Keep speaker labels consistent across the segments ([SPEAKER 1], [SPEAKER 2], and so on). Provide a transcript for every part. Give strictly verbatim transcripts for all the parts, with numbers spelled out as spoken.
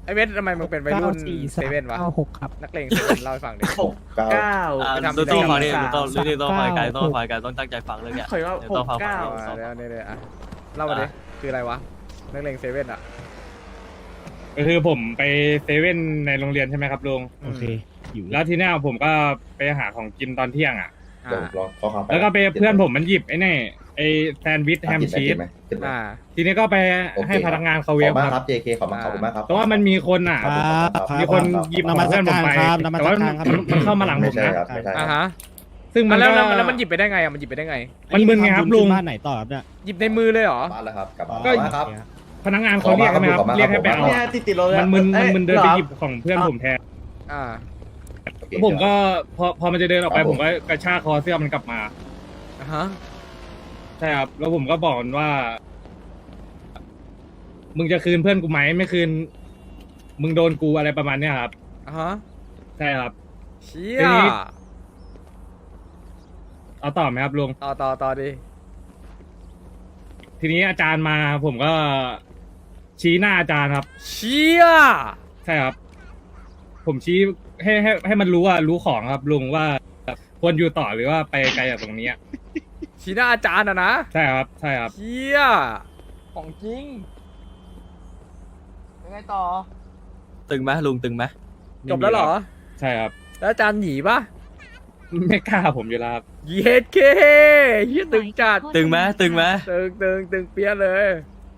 [SPEAKER 1] ไอเวททำไมมึงเป็นวัยรุ่นเซเว่นวะ
[SPEAKER 2] เก้าหกครับ
[SPEAKER 1] นักเลงเซเว่นเล่าให้ฟังดิ
[SPEAKER 3] หกเก้า
[SPEAKER 4] เก้า
[SPEAKER 5] อ่า
[SPEAKER 1] ไปทำ
[SPEAKER 5] ต้องฟังดิ
[SPEAKER 4] สาม
[SPEAKER 5] ต้อง
[SPEAKER 4] สาม
[SPEAKER 5] นี่ต้องฟังกัน
[SPEAKER 2] เก้า
[SPEAKER 5] ต้องฟังกันต้องตั้งใจฟังเรื่องเนี้ย
[SPEAKER 4] ขอว่า
[SPEAKER 5] เดี๋ยว
[SPEAKER 4] ห
[SPEAKER 5] ต้อง
[SPEAKER 4] ก
[SPEAKER 5] ฟัง
[SPEAKER 4] เก้า
[SPEAKER 5] ฟัง
[SPEAKER 1] อ่าเดี๋ยวเดี๋ยวเดี๋ยวอ่ะเล่ามาดิคืออะไรวะนักเลงเซเว่นอ่ะ
[SPEAKER 6] ก็คือผมไปเซเว่นในโรงเรียนใช่ไหมครับลุง
[SPEAKER 2] โอเคอยู่
[SPEAKER 6] แล้วทีเนี้ยผมก็ไปหาของกินตอนเที่ยงอ่ะ
[SPEAKER 3] เดี๋ยวลองข้อความไป
[SPEAKER 6] แล้วก็ไปเพื่อนผมมันหยิบไอ้นี่ไอ้แซนด์วิชแฮมชีส
[SPEAKER 3] ไหมกินไหม
[SPEAKER 1] อ่า
[SPEAKER 6] ทีนี้ก็ไป
[SPEAKER 3] โอเค
[SPEAKER 6] ให้พนักงานเขา
[SPEAKER 3] ข
[SPEAKER 6] เว
[SPEAKER 3] อบ
[SPEAKER 6] ฟ
[SPEAKER 3] คุณมาก
[SPEAKER 6] ค
[SPEAKER 3] ค
[SPEAKER 6] รั
[SPEAKER 3] รับ บ เจ เค ขอบคุณขอบคุณมากครับ
[SPEAKER 6] แต่ว่ามันมีคนอ่ะ
[SPEAKER 2] ครับ
[SPEAKER 6] มีคนหยิบของเพื่อนผมไป
[SPEAKER 2] ครับนมั
[SPEAKER 6] แต่
[SPEAKER 2] ส
[SPEAKER 6] ว่า
[SPEAKER 2] การครับ
[SPEAKER 6] มันมันเข้ามาหลังผ
[SPEAKER 3] ไม่
[SPEAKER 6] ม
[SPEAKER 3] ใช่
[SPEAKER 6] นะ
[SPEAKER 3] ครับไม่ใช่ค
[SPEAKER 1] อ่า
[SPEAKER 3] รับ
[SPEAKER 1] ฮะ
[SPEAKER 6] ซึ่งมัน
[SPEAKER 1] แล้ว
[SPEAKER 6] ก็
[SPEAKER 1] แล้วแล้วมันหยิบไปได้ไงอ่ะมันหยิบไปได้ไง
[SPEAKER 6] มันมึนไงครับลุง
[SPEAKER 2] บ้านไหนต่อครับเนี่ย
[SPEAKER 1] หยิบในมือเลยเหรอ
[SPEAKER 3] บ้านแล้วครับกลับบ้าน
[SPEAKER 6] ก็
[SPEAKER 3] แล้วครับ
[SPEAKER 6] พนักงานเขาเรียกใช่ไหมครับ
[SPEAKER 3] ขอบคุณครับ
[SPEAKER 6] เรียกให้ไปเอา
[SPEAKER 4] เนี่ยติดติดรถเลย
[SPEAKER 6] มันมึนมันมึนเดินไปหยิบ
[SPEAKER 4] อ้
[SPEAKER 6] ของเพื่อนผมแทน
[SPEAKER 1] อ่า
[SPEAKER 3] โอเค
[SPEAKER 6] แล้วผมก็พอพอมันจะเดินออกไป
[SPEAKER 3] ครับ
[SPEAKER 6] ผ
[SPEAKER 3] ผม
[SPEAKER 6] มก็กระชากคอเสื้อมันกลับมา
[SPEAKER 1] อ่าฮะ
[SPEAKER 6] ใช่ครับ แล้วผมก็บอกมันว่า มึงจะคืนเพื่อนกูไหมไม่คืน มึงโดนกูอะไรประมาณเนี้ยครับ
[SPEAKER 1] อ่าฮะ
[SPEAKER 6] ใช่ครับ
[SPEAKER 1] เชี่
[SPEAKER 6] ที
[SPEAKER 1] ย
[SPEAKER 6] นี้ เอาต่อไหมครับลุง
[SPEAKER 1] ต่อต่อต่อดิ
[SPEAKER 6] ทีนี้อาจารย์มาผมก็ชี้หน้าอาจารย์ครับ
[SPEAKER 1] เชี่ย
[SPEAKER 6] ใช่ครับ ผมชี้ให้ให้ให้มันรู้ว่ารู้ของครับลุงว่าควรอยู่ต่อหรือว่าไปไกลจากตรงนี้อะ
[SPEAKER 1] ชี้หน้าอาจารย์อะนะ
[SPEAKER 6] ใช่ครับ ใช่ครับ
[SPEAKER 1] เชี่ยของจริงยังไงต่อ
[SPEAKER 5] ตึงไหมลุงตึงไหม
[SPEAKER 1] จบแล้วเหรอ
[SPEAKER 6] ใช่ครับ
[SPEAKER 1] แล้วอาจารย์หนีปะ
[SPEAKER 6] ไม่กล้าผมอยู่แล้วครับ
[SPEAKER 1] เย็ดเคเฮียตึงจัด
[SPEAKER 5] ตึงไหมตึงไหม
[SPEAKER 1] ตึงตึงตึงเปี้ยเลย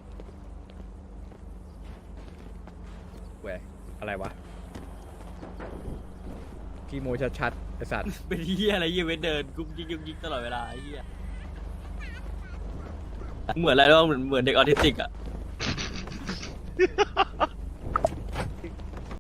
[SPEAKER 1] เว้ยอะไรวะกีโมชัดๆไอสัตว์
[SPEAKER 5] เป็นเหี้ยอะไรเหี้ยเว้นเดินกุ๊กยิกยุกยิกตลอดเวลาไอ้เหี้ยเหมือนอะไรวะเหมือนเหมือนเด็กออทิสติกอะ